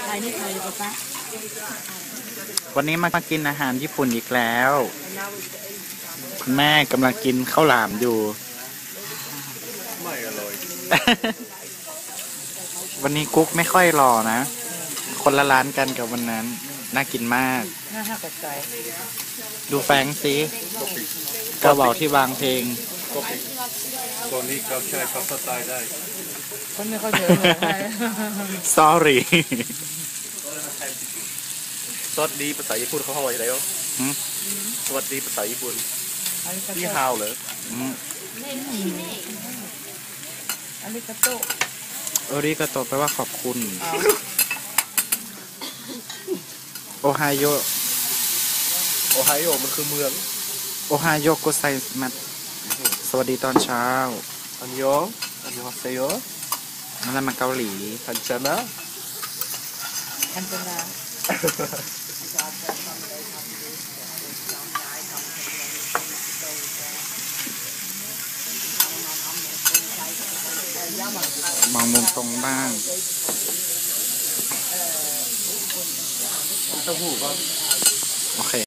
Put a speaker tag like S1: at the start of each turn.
S1: ายนี่ใครปะปะ
S2: วันนี้มากินอาหารญี่ปุ่นอีกแล้วคุณแม่กำลังกินข้าวหลามอยู่
S3: ไม่อร่อย
S2: วันนี้กุ๊กไม่ค่อยหล่อนะ คนละร้านกันกับวันนั้นน่ากินมาก
S1: น่าหักใจ
S2: ดูแฟงสิกระบอกที่วางเพลง
S3: ก็ปิดตอนนี้เขาใช้ภาษาไทยได้
S1: คนไม่ค่อยเจอเลย
S2: sorry
S3: สวัสดีภาษาญี่ปุ่นเขาว่าอะไรอ่ะสวัสดีภาษาญี่ปุ่นนี่ฮาวเหรอ
S1: อันนี้กระโต๊ะ
S2: โอริกาโตแปลว่าขอบคุณโอไฮโอ
S3: โอไฮโอมันคือเมือง
S2: โอไฮโอโกไซมัสสวัสดีตอนเช้า
S3: อันยองอันยองฮาเซโย
S2: นั่นแหละมาเกาหลี
S3: คันชนะ
S1: อันเป็นดา
S2: มองมุมตรงบ้าง
S3: เต้าหู้ป่ะ
S2: โอเค